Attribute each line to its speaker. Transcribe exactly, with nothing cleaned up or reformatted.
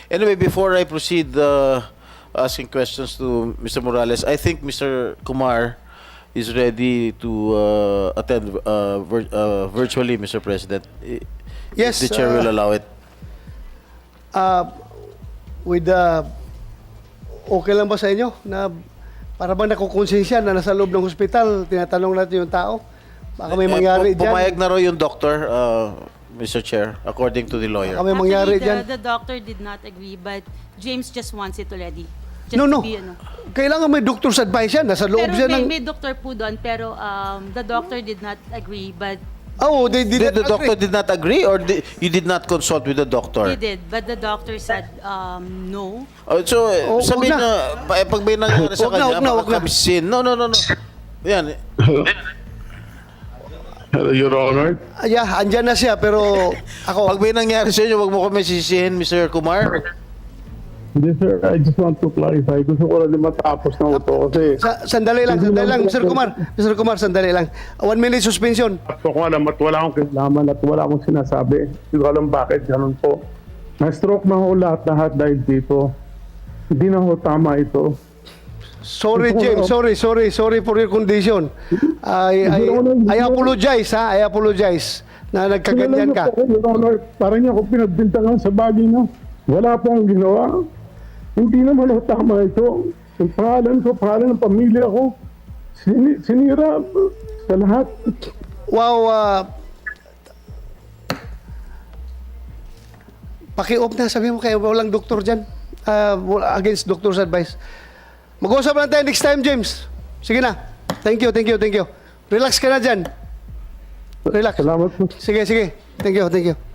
Speaker 1: Anyway, before I proceed uh, asking questions to Mister Morales, I think Mister Kumar is ready to uh, attend uh, vir uh, virtually, Mister President. I-
Speaker 2: Yes,
Speaker 1: if the chair
Speaker 2: uh,
Speaker 1: will allow it.
Speaker 2: Uh, with the, okay lang ba sa inyo na para bang nakukonsensya na nasa loob ng hospital, tinatanong natin yung tao? Baka may
Speaker 1: Eh,
Speaker 2: mangyari
Speaker 1: pu- Pumayag
Speaker 2: dyan.
Speaker 1: na raw yung doctor, uh, Mister Chair, according to the lawyer.
Speaker 2: Baka may mangyari
Speaker 3: Actually,
Speaker 2: dyan.
Speaker 3: the, the doctor did not agree, but James just wants it already. Just
Speaker 2: No, no.
Speaker 3: to be, ano.
Speaker 2: Kailangan may doctor's advice yan. Nasa loob
Speaker 3: Pero
Speaker 2: siya
Speaker 3: may,
Speaker 2: ng...
Speaker 3: may doctor po doon, pero um, the doctor did not agree, but
Speaker 2: Oh, they did
Speaker 1: Did the
Speaker 2: not
Speaker 1: doctor
Speaker 2: agree.
Speaker 1: did not agree, or di- you did not consult with the doctor?
Speaker 3: he did. But the doctor said um, no.
Speaker 1: Oh, so, eh,
Speaker 2: Oh,
Speaker 1: sabihin
Speaker 2: wag
Speaker 1: na, pa- eh, pag may nangyari sa
Speaker 2: Wag na,
Speaker 1: kanya,
Speaker 2: wag na, wag na.
Speaker 1: makakabisin. No, no, no, no. Yan.
Speaker 4: Your Honor,
Speaker 2: Ah, yeah, andyan na siya, pero ako...
Speaker 1: Pag may nangyari sa inyo, wag mo kami sisihin, Mister Kumar.
Speaker 4: hindi sir, I just want to clarify. Gusto ko lang din matapos na ito kasi
Speaker 2: Sa, sandali lang, sandali lang, Mister Kumar. Mister Kumar, sandali lang. One minute suspension.
Speaker 4: gusto ko alam at wala akong kinalaman at wala akong sinasabi. Hindi ko alam bakit ganun po. Na-stroke na ho lahat-lahat dahil dito. Hindi na ho tama ito.
Speaker 2: Sorry, James. Sorry, sorry, sorry for your condition. I, I, I apologize, ha? I apologize na nagkaganyan ka.
Speaker 4: Kilala niyo po, Your Honor, parang niya ako pinagbintangan sa bagay na wala po akong ginawa. Hindi naman ho tama ito. Yung pangalan ko, pangalan ng pamilya ko, sini, sinira sa lahat.
Speaker 2: Wow, uh, paki-off na, sabi mo kayo, walang doktor dyan. Uh, wala- against doctor's advice. Mag-usap lang tayo next time, James. Sige na. Thank you, thank you, thank you. Relax ka na dyan. Relax.
Speaker 4: Salamat po.
Speaker 2: Sige, sige. Thank you, thank you.